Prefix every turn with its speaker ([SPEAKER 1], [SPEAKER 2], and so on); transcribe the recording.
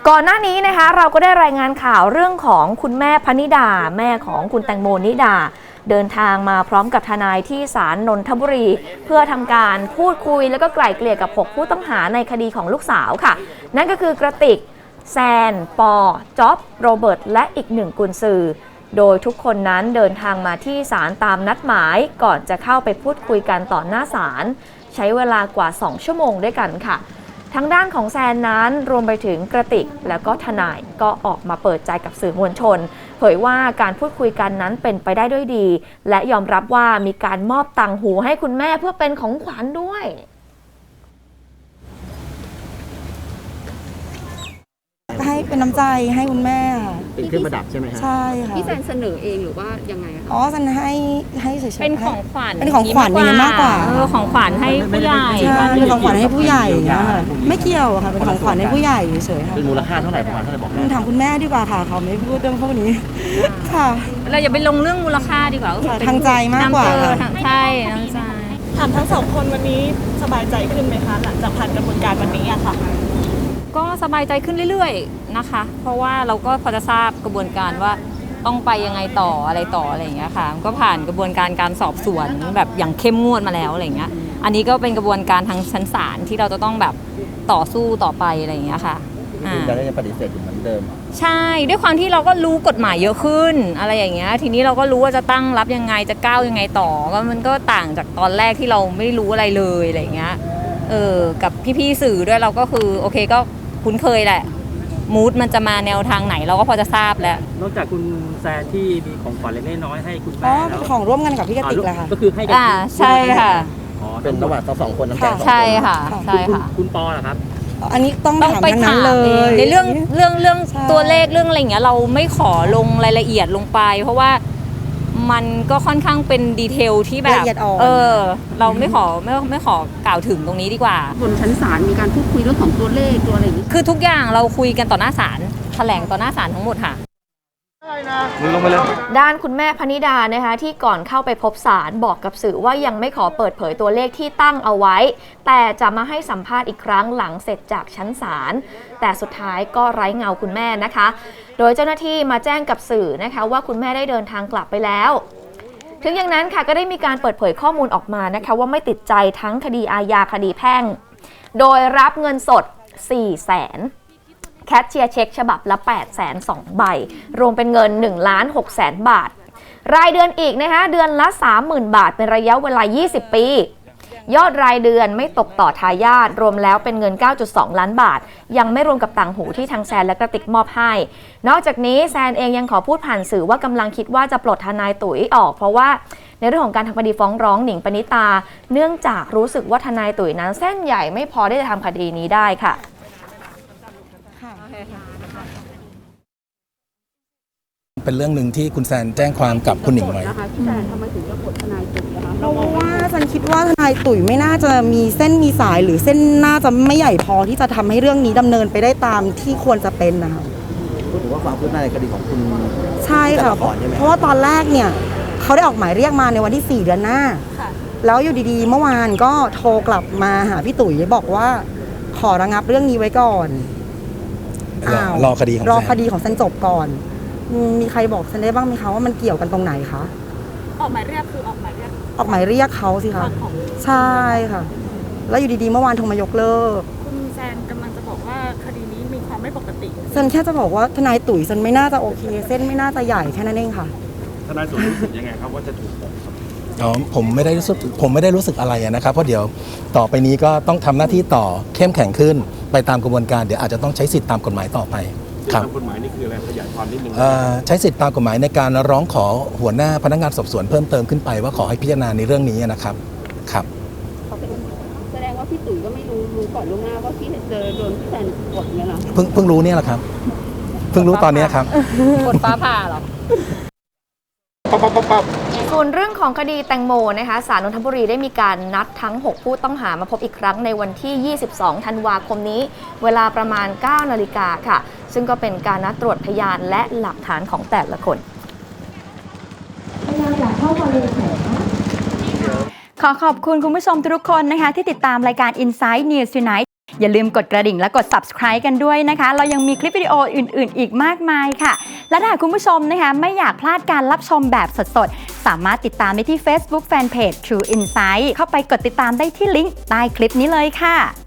[SPEAKER 1] ก่อนหน้านี้นะคะเราก็ได้รายงานข่าวเรื่องของคุณแม่พนิดาแม่ของคุณแตงโมนิดาเดินทางมาพร้อมกับทนายที่ศาลนนทบุรีเพื่อทำการพูดคุยแล้วก็ไกล่เกลี่ยกับ6ผู้ต้องหาในคดีของลูกสาวค่ะนั่นก็คือกระติกแซนปอจ๊อบโรเบิร์ตและอีก1กุญสือโดยทุกคนนั้นเดินทางมาที่ศาลตามนัดหมายก่อนจะเข้าไปพูดคุยกันต่อหน้าศาลใช้เวลากว่า2ชั่วโมงด้วยกันค่ะทางด้านของแซนนั้นรวมไปถึงกระติกแล้วก็ทนายก็ออกมาเปิดใจกับสื่อมวลชนเผยว่าการพูดคุยกันนั้นเป็นไปได้ด้วยดีและยอมรับว่ามีการมอบต่างหูให้คุณแม่เพื่อเป็นของขวัญด้วย
[SPEAKER 2] ให้เป็นน้ำใจให้คุณแม่
[SPEAKER 3] เป็นเครื่องประดับใช่ไหมครับ
[SPEAKER 2] ใช่ค่ะ
[SPEAKER 4] พี่แซนเสนอเองหรือว่ายังไงคะ
[SPEAKER 2] อ๋อแซนให้เฉยๆ
[SPEAKER 5] เป็นของขวัญ
[SPEAKER 2] เป็นของขวัญอย่างนี้มากกว่า
[SPEAKER 5] ของขวัญให้ผู้ใหญ่
[SPEAKER 2] ใช่เป็นของขวัญให้ผู้ใหญ่นะคะไม่เกี่ยวค่ะเป็นของขวัญให้ผู้ใหญ่เฉยๆค่ะ
[SPEAKER 3] เป็นมูลค่าเท่าไหร่ประมาณเท่าไหร่บอกได้
[SPEAKER 2] ถามคุณแม่ดีกว่าค่ะเขาไม่พูดเรื่องพวกนี้ค่ะ
[SPEAKER 5] เราอย่าไปลงเรื่องมูลค่าดีกว่า
[SPEAKER 2] ทางใจมากกว่า
[SPEAKER 5] ใช่น้ำใจ
[SPEAKER 6] ถามทั้งสองคนวันนี้สบายใจขึ้นไหมคะหลังจากผ่านกระบวนการวันนี้อะค่ะ
[SPEAKER 5] ก็สบายใจขึ้นเรื่อยๆนะคะเพราะว่าเราก็พอจะทราบกระบวนการว่าต้องไปยังไงต่ออะไรอย่างเงี้ยค่ะก็ผ่านกระบวนการการสอบสวนแบบอย่างเข้มงวดมาแล้วอะไรเงี้ยอันนี้ก็เป็นกระบวนการทางชั้นศาลที่เราจะต้องแบบต่อสู้ต่อไปอะไรอย่างเงี้ยค่ะ
[SPEAKER 3] คุณจะได้ปฏิเสธอยู่เหมือนเดิม
[SPEAKER 5] ใช่ด้วยความที่เราก็รู้กฎหมายเยอะขึ้นอะไรอย่างเงี้ยทีนี้เราก็รู้ว่าจะตั้งรับยังไงจะก้าวยังไงต่อก็มันก็ต่างจากตอนแรกที่เราไม่รู้อะไรเลยอะไรอย่างเงี้ยกับพี่ๆสื่อด้วยเราก็คือโอเคก็คุ้นเคยแหละมูดมันจะมาแนวทางไหนเราก็พอจะทราบแล้ว
[SPEAKER 7] นอกจากคุณแซนที่มีของขวัญเล็กน้อยให้คุณแม่แล้ว
[SPEAKER 2] ของร่วมกันกับพี่กติกแหละค่ะ
[SPEAKER 7] ก็คือให้กัน
[SPEAKER 5] ใช่ค่ะ
[SPEAKER 3] เป็นระหว่างสองคนน้ำใจ
[SPEAKER 5] ใช่ค่ะใช่ค่ะ
[SPEAKER 7] คุณปอเหรอครับ
[SPEAKER 2] อันนี้ต้อง
[SPEAKER 5] ไปถามเลยในเรื่องตัวเลขเรื่องอะไรอย่างเงี้ยเราไม่ขอลงรายละเอียดลงไปเพราะว่ามันก็ค่อนข้างเป็นดีเทลที่แบบเราไม่ขอกล่าวถึงตรงนี้ดีกว่า
[SPEAKER 4] บนชั้นศาลมีการพูดคุยเรื่องของตัวเลขตัวอะไรอย่างนี้
[SPEAKER 5] คือทุกอย่างเราคุยกันต่อหน้าศาลแถลงต่อหน้าศาลทั้งหมดค่ะ
[SPEAKER 1] ด้านคุณแม่พนิดานะคะที่ก่อนเข้าไปพบศาลบอกกับสื่อว่ายังไม่ขอเปิดเผยตัวเลขที่ตั้งเอาไว้แต่จะมาให้สัมภาษณ์อีกครั้งหลังเสร็จจากชั้นศาลแต่สุดท้ายก็ไร้เงาคุณแม่นะคะโดยเจ้าหน้าที่มาแจ้งกับสื่อนะคะว่าคุณแม่ได้เดินทางกลับไปแล้วถึงอย่างนั้นค่ะก็ได้มีการเปิดเผยข้อมูลออกมานะคะว่าไม่ติดใจทั้งคดีอาญาคดีแพ่งโดยรับเงินสด 400,000แคชเชียร์เช็คฉบับละ 802,000 ใบรวมเป็นเงิน 1,600,000 บาทรายเดือนอีกนะคะเดือนละ 30,000 บาทเป็นระยะเวลา20 ปียอดรายเดือนไม่ตกต่อทายาทรวมแล้วเป็นเงิน 9.2 ล้านบาทยังไม่รวมกับต่างหูที่ทางแซนและกระติกมอบให้นอกจากนี้แซนเองยังขอพูดผ่านสื่อว่ากำลังคิดว่าจะปลดทนายตุ๋ยออกเพราะว่าในเรื่องของการทำคดีฟ้องร้องหนิงปณิตาเนื่องจากรู้สึกว่าทนายตุ๋ยนั้นเส้นใหญ่ไม่พอที่จะทำคดีนี้ได้ค่ะ
[SPEAKER 8] เป็นเรื่องหนึ่งที่คุณแซนแจ้งความกับคุณหนิงไว้
[SPEAKER 4] พี่แซนทำไมถึงจะปลดทนายตุ๋ยนะคะ
[SPEAKER 2] เพราะว่าฉันคิดว่าทนายตุ๋ยไม่น่าจะมีเส้นมีสายหรือเส้นน่าจะไม่ใหญ่พอที่จะทำให้เรื่องนี้ดำเนินไปได้ตามที่ควรจะเป็นนะคะ
[SPEAKER 3] พูดถึงว่าความคืบหน้าในคดีของคุณ
[SPEAKER 2] ใช่ค่ะเพราะว่าตอนแรกเนี่ยเขาได้ออกหมายเรียกมาในวันที่4 เดือนหน้าแล้วอยู่ดีๆเมื่อวานก็โทรกลับมาหาพี่ตุ๋ยบอกว่าขอระงับเรื่องนี้ไว้ก่อน
[SPEAKER 8] รอคดี
[SPEAKER 2] ของแซนจบก่อนมีใครบอกฉันได้บ้างไหมคะว่ามันเกี่ยวกันตรงไหนคะ
[SPEAKER 6] ออกหมายเรียกคือออกหมายเ
[SPEAKER 2] รียกเขาสิคะใช่ค่ะแล้วอยู่ดีๆเมื่อวานโทรมายกเลิก
[SPEAKER 6] คุณแซนกำลังจะบอกว่าคดีนี้มีความไม่ปกติ
[SPEAKER 2] ฉันแค่จะบอกว่าทนายตุ๋ยฉันไม่น่าจะโอเคเส้นไม่น่าจะใหญ่แค่นั้นเองค่ะ
[SPEAKER 7] ทนายตุ๋ยรู้สึกยังไงครับว่าจะถูกปลด
[SPEAKER 8] ผมไม่ได้รู้สึกอะไรนะครับเพราะเดี๋ยวต่อไปนี้ก็ต้องทำหน้าที่ต่อเข้มแข็งขึ้นไปตามกระบวนการเดี๋ยวอาจจะต้องใช้สิทธิตามกฎหมายต่อไป
[SPEAKER 7] ตามกฎหมายนี่คืออะไรขยายความนิดนึง
[SPEAKER 8] ใช้สิทธิตามกฎหมายในการร้องขอหัวหน้าพนักงานสอบสวนเพิ่มเติมขึ้นไปว่าขอให้พิจารณาในเรื่องนี้นะครับครับ
[SPEAKER 4] แสดงว่าพี่ตุ๋ยก็ไม่รู้ก่อนล่วงหน้าว่าพี่เจอโดนพี่แซนกดเนี่ยหรอ
[SPEAKER 8] เพิ่งรู้เนี่ยแหละครับเพิ่งรู้ตอนนี้ครับ
[SPEAKER 5] กดฟ้าผ่าหรอ
[SPEAKER 1] ส่วนเรื่องของคดีแตงโมนะคะศาลนนทบุรีได้มีการนัดทั้ง6ผู้ต้องหามาพบอีกครั้งในวันที่ 22 ธันวาคมนี้เวลาประมาณ 9 นาฬิกาค่ะซึ่งก็เป็นการนัดตรวจพยานและหลักฐานของแต่ละคน
[SPEAKER 9] พยายามอยากเข้ามาเลยขอขอบคุณคุณผู้ชมทุกคนนะคะที่ติดตามรายการ Inside News Tonight
[SPEAKER 10] อย่าลืมกดกระดิ่งและกด subscribe กันด้วยนะคะ เรายังมีคลิปวิดีโออื่นๆ อีกมากมายค่ะ และถ้าคุณผู้ชมนะคะไม่อยากพลาดการรับชมแบบสดๆ สามารถติดตามได้ที่ Facebook Fanpage True Insight เข้าไปกดติดตามได้ที่ลิงก์ใต้คลิปนี้เลยค่ะ